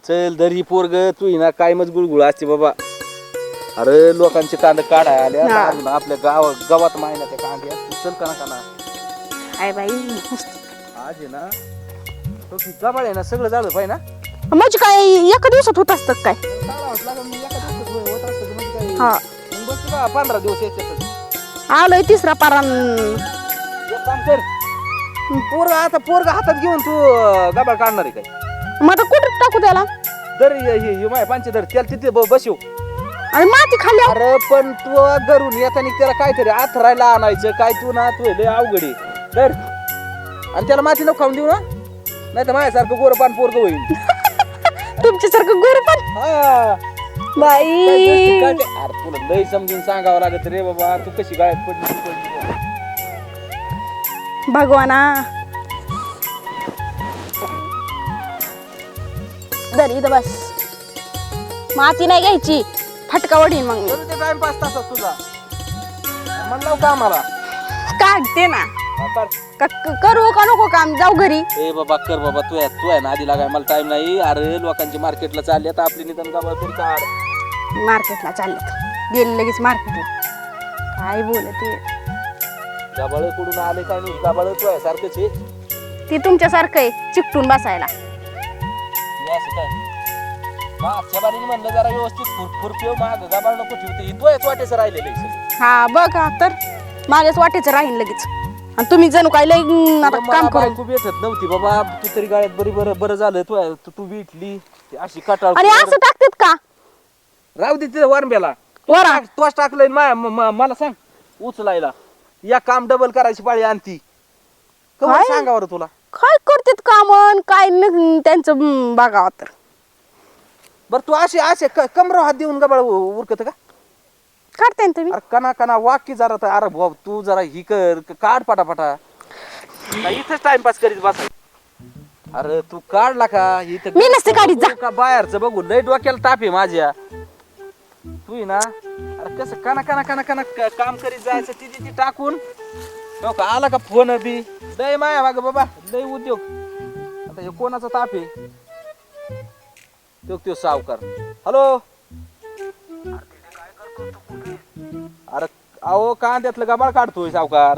चल दरी पोरग तू ही ना काय मज गुळगुळ असते बाबा. अरे लोकांचे कांदे काढाय आले आता हा. अजून आपल्या गावात माहिना त्या कांद्या तू चल का ना काय बाई आज आहे ना तो गबाळ आहे ना सगळं झालं पाहिजे ना. म्हणजे काय एका दिवसात होत असतं काय? काढावंच लागेल मग एका दिवसात होत असतं म्हणजे काय हा मग बस का 15 दिवस याच्यातच. आलोय तिसरा पारान. एक काम कर पोरग हातात घेऊन तू गबाळ काढणार आहे काय? मग आता कुठं टाकू त्याला? दर हे माय पांचे दर त्याला तिथे बसव. आणि माती खाली अरे पण तू घरून येताना त्याला काहीतरी आथरायला आणायचं काय तू ना तू लय अवघड आहे. दर आणि त्याला माती नको खाऊन देऊ ना नाही तर माझ्यासारखं गोरपान पोरग होईल. तुमच्यासारखं गोर पण हा बाई. अरे तुला लय समजून सांगावं लागत रे बाबा तू कशी गायब पडली. भगवाना दरी इथं बस. माती नाही घ्यायची फटका वडीन मग तरी ते टाइमपास तसाच तुझा म्हणलं का आम्हाला काढते ना. कर. करू का नको काम? जाऊ घरी. ए बाबा कर बाबा तू आहे ना आधी लागाय मला टाइम नाही. अरे लोकांची मार्केटला चालली आता आपली निदान गावात तरी काढ. मार्केटला चाललेत गेले लगेच मार्केटला. काय बोलते गाबाळ कुठून आले काय नाही गाबाळ तू आहे सारखंच आहे. ती तुमच्यासारखं आहे चिकटून बसायला. हे असं काय मागच्या बारीने म्हणलं जरा व्यवस्थित खुरपेव माग गाबाळ नको ठेवते इथं आहे वाटेचं राहिलेलं आहे सगळं. हा बघा तर माझ्याच वाटेचं राहील लगेच. आणि तुम्ही जणू काय लय आता काम करू. तू भेटत नव्हती बाबा तू तरी गाड्यात बरी बरं झालं तू भेटली अशी कटाळ. आणि असं टाकतात का? राहू दे तिथं वरंब्याला वरा तोच टाकलंय मला सांग उचलायला या काम डबल करायची पाळी आणती काय? सांगा बरं तुला. काय करतात काम काय त्यांचं बघावं तर. बरं तू असे कमर हात देऊन गबाळ उरकत का? काढताय ना तुम्ही. अरे कना वाक्य जरा तर अरे भाऊ तू जरा ही कर काढ पटापटा इथंच टाइमपास करीत बस. अरे तू काढला का इथं मी नसते काढीत जा. का बाहेरचं बघू लय डोक्याला ताप आहे माझ्या. तू ही ना अरे कसं कना काम करीत जायचं ती टाकून हो का आला का फोन बी लय माया माग बाबा लय उद्योग. आता हे कोणाचा ताप आहे तो सावकार. हॅलो अरे अहो कांद्यातलं गबाळ काढतोय सावकार.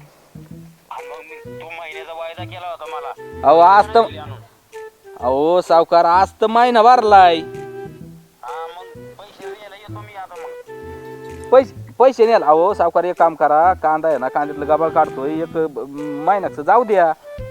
तू महिन्याचा वायदा केला होता मला. अहो आज तर अहो सावकार आज तर महिना भरलाय. हा मग पैसे द्यायला येतो मी आता. मग पैसे नाही. अहो सावकार एक काम करा कांदा आहे ना कांद्यातलं गबाळ काढतोय एक महिन्याचं जाऊ द्या.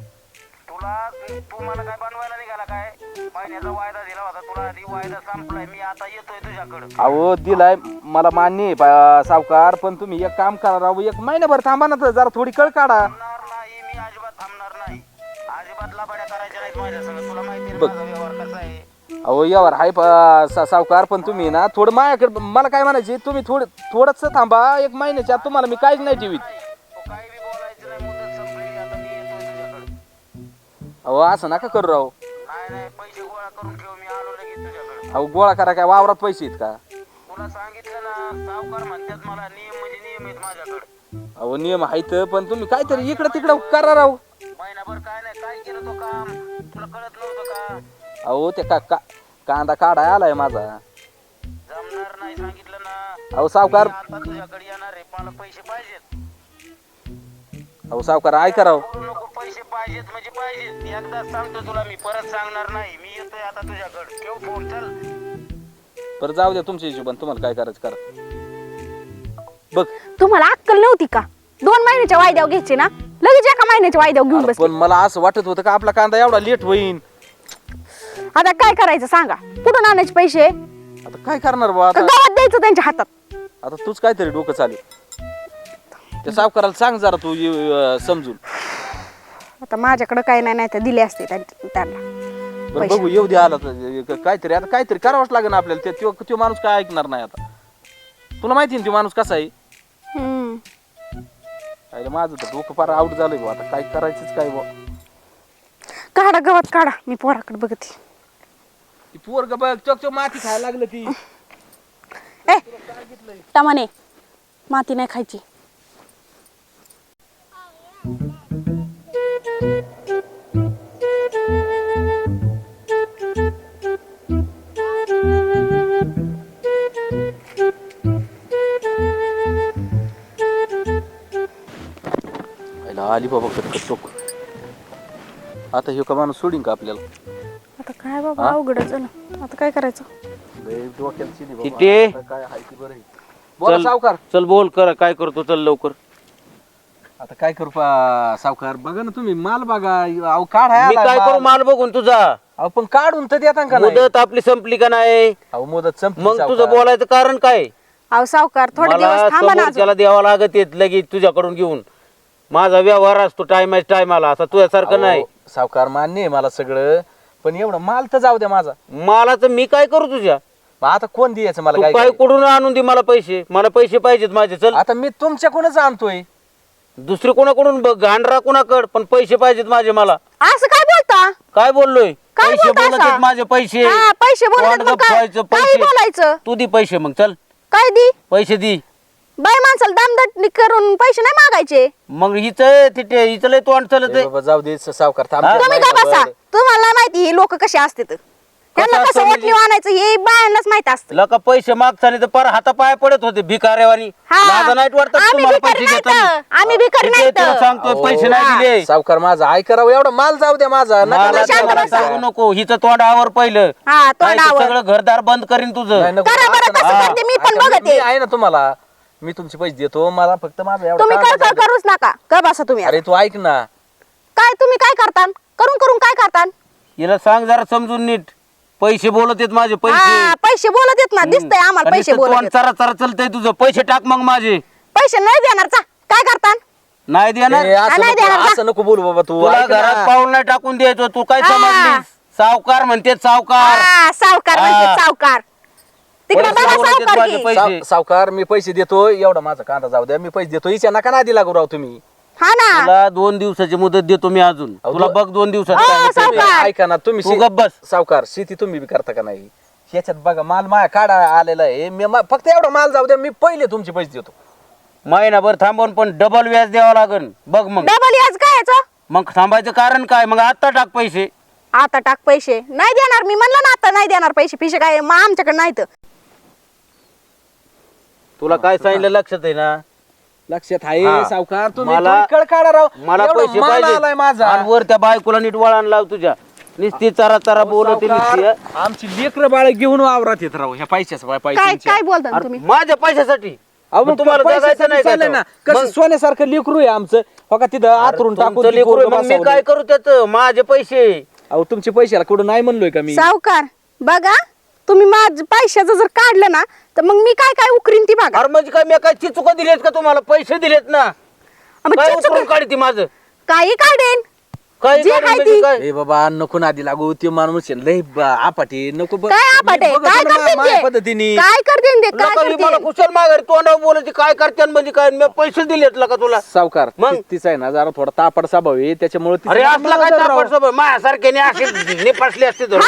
तू मला काय बनवायला निघाला काय? महिन्याचा वायदा दिला होता तुला आधी वायदा संपलाय. मी आता येतोय तुझ्याकडे. अहो दिलाय मला मान्य आहे सावकार पण तुम्ही एक काम करा राहू एक महिनाभर थांबा ना तर जरा थोडी कळ काढा. थांबणार नाही मी अजिबात थांबणार नाही. अजिबात लाबाड्या करायच्या नाहीत माझ्या संग. तुला माहिती आहे बघ. माझा व्यवहार कसा आहे. अहो यावर हाय सावकार पण तुम्ही ना थोडं माझ्याकडे मला काय म्हणायचे तुम्ही थोडंच थांबा एक महिन्याच्या आत तुम्हाला मी काहीच नाही ठेवीत. तू काही बी बोलायचं नाही. मुदत संपली आता मी येतोय तुझ्याकडे. अहो असं नका करू राहू. नाही पैसे गोळा करून ठेव. मी आलो लगेच तुझ्याकडे. अहो गोळा करा काय वावरात पैसे आहेत का? तुला सांगितलं ना सावकार म्हणतात मला नियम म्हणजे नियम आहेत माझ्याकडे. अहो नियम आहेत पण तुम्ही काहीतरी इकडं तिकडं करा राहू. महिनाभर काय नाही काय केलं तो काम तुला कळत नव्हतं का? अहो ते कांदा काढाय आलाय माझा. जमणार नाही सांगितलं ना. अहो सावकार मी आता तुझ्याकडे येणार आहे. मला पैसे पाहिजेत. अहो सावकार ऐका राव. बोलू नको. पैसे पाहिजेत म्हणजे पाहिजेत. एकदा सांगतो तुला मी परत सांगणार नाही. मी येतोय आता तुझ्याकडे. ठेव फोन. चल बरं जाऊ द्या तुमच्या हिशोबाने तुम्हाला काय करायचं करा. बघ तुम्हाला अक्कल नव्हती का? 2 महिन्याच्या वायद्यावर घ्यायचे ना लगेच एका महिन्याच्या वायद्यावर घेऊन अरे बसले. पण मला असं वाटत होतं का आपला कांदा एवढा लेट होईल. आता काय करायचं सांगा? कुठून आणायचे पैसे? आता काय करणार बा का आता गावात द्यायचं त्यांच्या हातात? आता तूच काहीतरी डोकं चालू त्या सावकाराला सांग जरा तू समजून. आता माझ्याकडे काय नाही तर दिले असते त्यांना. बरं बघू येऊ दे आला तर काहीतरी आता काहीतरी करावंच लागेल आपल्याला. तो माणूस काय ऐकणार नाही आता. तुला माहिती ना तो माणूस कसा आहे. हम्म. अरे माझं तर डोकं फार आउट झालंय बा आता काय करायचंच काय बा. काढा गवत काढा. मी पोराकडे बघते. ती पोरग बघ चोक माती खायला लागलं ती. ए टमाने माती नाही खायची. ह्याला आली बाबा कटकट टोक. आता हे का माणूस सोडीन का आपल्याला? आता काय बाबा अवघड झालं. आता काय करायचं? लय डोक्यात शिनी बाबा. किती? आता काय हाय ते बरं आहे. बोला चल. सावकार. चल बोल कर काय करतो चल लवकर. आता काय करू सावकार? बघा ना तुम्ही माल बघा. अहो काढाय मी काय करू माल बघून तुझा? अहो पण काढून तर देता का नाही? मुदत आपली संपली का नाही? अहो मुदत संपली मग सावकार. तुझं बोलायचं कारण काय? अहो सावकार थोडे मला दिवस थांबा ना अजून. समोरच्याला द्यावा लागत येत लगेच तुझ्याकडून घेऊन. माझा व्यवहार असतो टायमाला असा तुझ्यासारखं नाही. अहो, सावकार मान्य आहे मला सगळं, पण एवढं माल तर जाऊ द्या माझा. मला तर मी काय करू तुझ्या? मग आता कोण द्यायचं मला तू काय काय कुठून आणून दे मला पैसे. मला पैसे पाहिजेत माझे. चल आता मी तुमच्याकडूनच आणतोय. दुसरे कोणाकडून बघ गांढरा कोणाकड पण पैसे पाहिजेत माझे मला. असं काय बोलता? काय बोललोय? काय पैसे बोलता बोलत असा? आहेत माझे पैसे. हा, पैसे बोलत तोंड आहेत मग काय? गप्पायचं, काही पैसे. बोलायचं? तू दे पैसे मग. चल काय दी? पैसे दे. बाई माणसाला दामदट करून पैसे नाही मागायचे. मग हिच हिचं लय तोंड चलत ए बाबा जाऊ दे सावकार थांब. हा? तुम्ही काय बसा, तुम्हाला माहिती ही लोक कसे असतात. त्यांना असतं कसं म्हणजे? ओटणी आणायचं हे बायांनाच माहित असतं. लका पैसे मागताना तर पर हातापाय पडत होते भिकाऱ्यावानी. हा. लाजा नाहीत वाटत आम्ही तुम्हाला भिकारी पैसे नाहीत. घेताना? आम्ही भिकारी किती नाहीत. तुला सांगतोय पैसे नाही हा. दिले. सावकार माझा ऐ करावं एवढा माल जाऊ द्या माझा. नका मला मला शांत त्याला बसा. सांगू नको. हिचं तोंडावर पहिलं. हा नाही तर तोंडावर. सगळं घरदार बंद करीन तुझं. नाही, नको. करा बरं आता कसं ना. करते मी पण आता बघते. मी आहे ना तुम्हाला. मी तुमचे पैसे देतो. मला फक्त माझा एवढा तुम्ही कांदा काय जाऊ दे. करूच नका. का बसा तुम्ही आता. अरे तू ऐक ना. काय तुम्ही काय करता? करून करून काय करता? हिला सांग जरा समजून नीट. पैसे बोलत आहेत माझे पैसे. हा पैसे बोलत येत ना. दिसतंय आम्हाला आणि पैसे नुसतं बोलत तोंड आहेत. चरा चरा चलतंय तुझं. पैसे टाक मग माझे. पैसे नाही देणार चा. काय करता? नाही देणार. ए, असं नाही नको- देणार. असं नको बोलू बाबा तू. तुला ऐक ना. घरात पाऊल नाही टाकून द्यायचो. तू काय हा. समजलीस? सावकार म्हणते सावकार. हा, सावकार हा. म्हणजे सावकार. तिकडे पैसे बघा बोलत आहेत सावकार माझे की. पैसे. सावकार मी पैसे देतो. एवढा माझा कांदा जाऊ द्या. मी पैसे देतो. हिच्या नका ना दिला राव तुम्ही. हा ना. तुला 2 दिवसाची मुदत देतो मी अजून. अहो, तुला बघ 2 दिवसात अहो, काय होतंय ते. सावकार. ऐका ना तुम्ही तू गप्प बस. सावकार शेती तुम्ही बी करता का नाही? ह्याच्यात बघा माल माया काढा आलेला आहे. मी फक्त एवढा माल जाऊ द्या. मी पहिले तुमचे पैसे देतो. महिनाभर थांबवून पण डबल व्याज द्यावं लागेल. बघ मग. डबल याच काय याचं? मग थांबायचं कारण काय? मग आता टाक पैसे. आता टाक पैसे. नाही देणार मी म्हणलं ना आता नाही देणार पैसे. पिशे काय मग आमच्याकडे नाहीत. तुला काय सांगितलं लक्षात आहे ना? लक्षात आहे हा. सावकार तुम्ही मला- तुम्ही कळ काढा राव. मला एवढा पैसे माल आलाय पाहिजे. माझा. आणि वर त्या बायकोला नीट वळण लाव तुझ्या. नुसती चरा चरा बोलत सावकार, आमची लेकर बाळ घेऊन वावरात येत राव ह्या पैशाचं काय पैशांच्या. काय बोलता तुम्ही? माझ्या पैशासाठी. अहो, मग तुम्हाला पैशासाठी जगायचं नाही का चाललंय तो? ना. कसं मग सोन्यासारखं लेकरू आहे आमचं. हो का तिथं आतरून टाकून तुमचं ती लेकरू आहे, पोरगं मग मी बसवलंय. काय करू त्याच? माझे पैसे. अहो तुमचे पैशाला कुठं नाही म्हणलोय का मी? सावकार बघा तुम्ही माझ पैशाचं जर काढलं ना तर मग मी काय काय उकरीन ती बघा. अरे म्हणजे काय मी काय चिचुका दिलेत का तुम्हाला? पैसे दिलेत ना. मग काय चिचुक- उचलून काढते माझं? काही काढेन. काय जे काढून आहे म्हणजे ती. काय? ए बाबा नको नादी लागू. ते माणूस आहे लय आपाटे नको काय आपाटे? काय करते माझ्या पद्धतीने. काय करते ते? काय नका मी मला करते? कुशल माघारी तोंडावर बोलायची काय करते म्हणजे काय? मी पैसे दिलेत का तुला? सावकार मग? तिचा आहे ना जरा थोडा तापड स्वभाव आहे त्याच्यामुळे तिचं अरे नाव असला काय नजर राव. तापड सभा माझ्यासारख्याने असे निपासले असते धरून.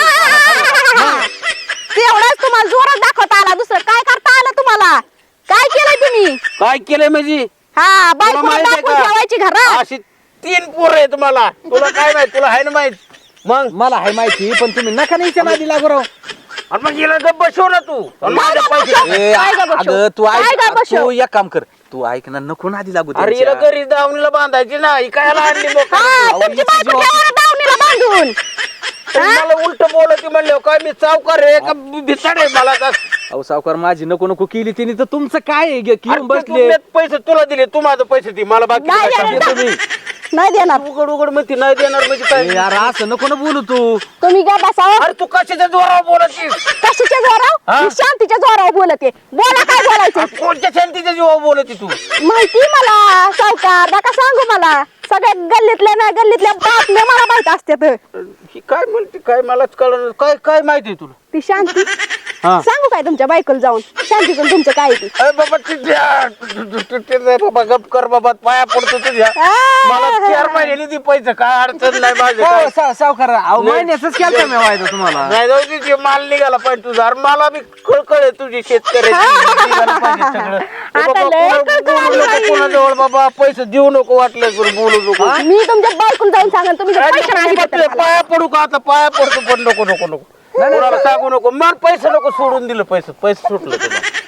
तेवढंच तुम्हाला जोरात दाखवता आला. दुसरं काय करता आलं तुम्हाला? काय केलं तुम्ही? काय केलंय म्हणजे? हा तुला बायको माहित आहे दाखवून ठेवायची घरात. अशी 3 पोरं आहेत मला. तुला काय माहित? तुला आहे ना माहित? मग मला आहे माहिती पण तुम्ही नका नाही नादी लागू राव. आणि मग हिला गप्प बसव ना तू. आणि माझे गप्प पैसे बसव. ए, काय गं बसव? अगं तू काय गं ऐक बसव? तू एक काम कर. तू ऐक ना नको नादी लागू अरे हिला त्यांच्या. घरी दावणीला बांधायची ना. ही काय आणली मग? हा अहो, तुमची हिची बायको जीवाची- ठेवा ना दावणीला बांधून. मला उलट बोलत म्हणले काय मी सावकार आहे का भिसाड आहे मला का? अहो सावकार माझी नको नको केली तिने तर तुमचं काय आहे? घेऊन अरे बसले तू पैसे तुला दिले. तू माझं पैसे दे मला बाकी नाही काय देणार सांगू? का? नाही देणार. उघड उघड म्हणते नाही देणार म्हणजे ए, काय? यार असं नको ना बोलू तू. तुम्ही काय बसावं? अरे तू कशाच्या जोरावर बोलतीस? कशाच्या जोराव? हा? मी शांतीच्या जोरावर बोलते. बोला काय बोलायचं? अरे कोणत्या शांतीच्या जीवावर बोलती तू? माहिती मला सावकार नका सांगू मला. सगळ्या गल्लीतल्या बातम्या मला माहित असतात. ही काय म्हणते काय मलाच कळलं काय काय माहिती तुला? ती शांती हा. सांगू काय तुमच्या बायकोला जाऊन? शांतीचं तुमचं काय आहे ते? अरे बाबा बाबा गप कर बाबा पाया पडतो तुझ्या. मला 4 महिन्याने दी पैसे काय अडचण नाही माझे काय. हो, सावकार अहो महिन्याच केलं मी वायदा तुम्हाला. नाही जाऊ दे, ते माल निघाला पाहिजे तुझा. अरे मला बी कळकळ आहे तुझी शेतकऱ्याची. निघालं पाहिजे सगळं. ए आता बाबा, लय कोणा- कळकळ बोलू आली नको बाई. कोणाजवळ बाबा. पैसे देऊ नको वाटलं करून बोलू नको. मी तुमच्या बायकोला जाऊन सांगेन तुम्ही जर अरे पैसे नाही नको दिले तर तुझ्या मला. पाया पडू का आता? पाया पडतो पण नको नको नको. कोणाला सांगू नको. मला पैसे नको सोडून दिलं पैसे. पैसे सुटलं तुला.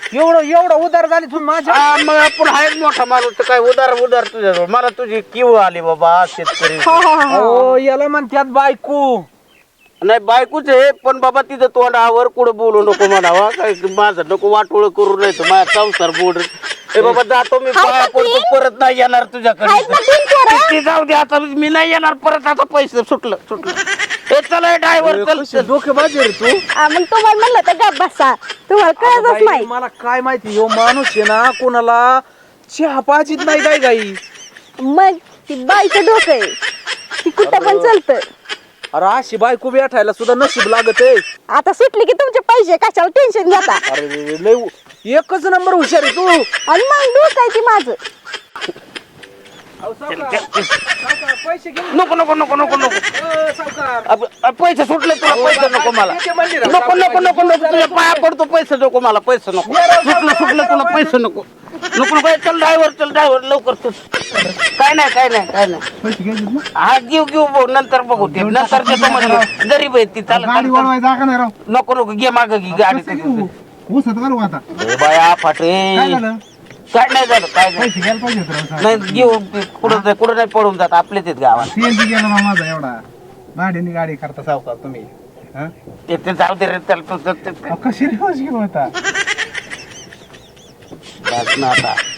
एवढा उदार झाली तुम्ही माझ्या. हा, मग आपण आहे मोठा माणूस तर काय उदार उदार तुझ्याजवळ. मला तुझी किव आली बाबा शेतकरी. अहो याला म्हणतात बायको. नाही बायकोच आहे पण बाबा तिथं तोंडावर कुठं बोलू नको म्हणावा. काय माझं नको वाटोळ करू नाही तर माझा संसार बोड. ए बाबा जातो मी पाया पडतो परत नाही येणार तुझ्याकडे. ते जाऊ दे आता मी नाही येणार परत. आता पैसे सुटलं. हे चला ड्रायव्हर चल. डोकेबाजी रे तू. मग तुम्हाला म्हणलं तर गप बसा, तुम्हाला कळतच बाई, नाही. मला काय माहिती ह्यो माणूस आहे ना कोणाला चहा पाजीत नाही काय गाई. मग ती बाईचं डोकं आहे, ती कुठं पण चालतं. अरे अशी बायको भेटायला सुद्धा नशीब लागत आहे. आता सुटली की तुमचे पैसे कशाला टेन्शन घेता. अरे लय एकच नंबर हुशार आहे तू. आणि मग डोकं आहे ती माझं. अहो, सावकार, पैसे घेऊन नको नको नको नको नको. सावकार. पैसे सुटले तुला. पैसे नको मला. ते मंदिर आहे. नको नको नको नको तुझ्या पाया पडतो. पैसे नको मला. पैसे नको. सुटलं तुला. पैसे नको नको नको. चल ड्रायव्हर लवकर तू. काय नाही हा घेऊ भाऊ. नंतर बघू ते. नंतर देतो म्हणजे गरीब आहे ती. चालत नको घे माग घे गाडी. बाया फाटे काय नाही झालं. काय नाही घेऊ. कुठं नाही पडून जात. आपलेच आहेत गावात. सीएनजी गेला ना माझा एवढा. भाड्याने गाडी करता सावकार तुम्ही. ते जाऊ दे रे. त्याला कशी रिवर्स गेलो होता. आता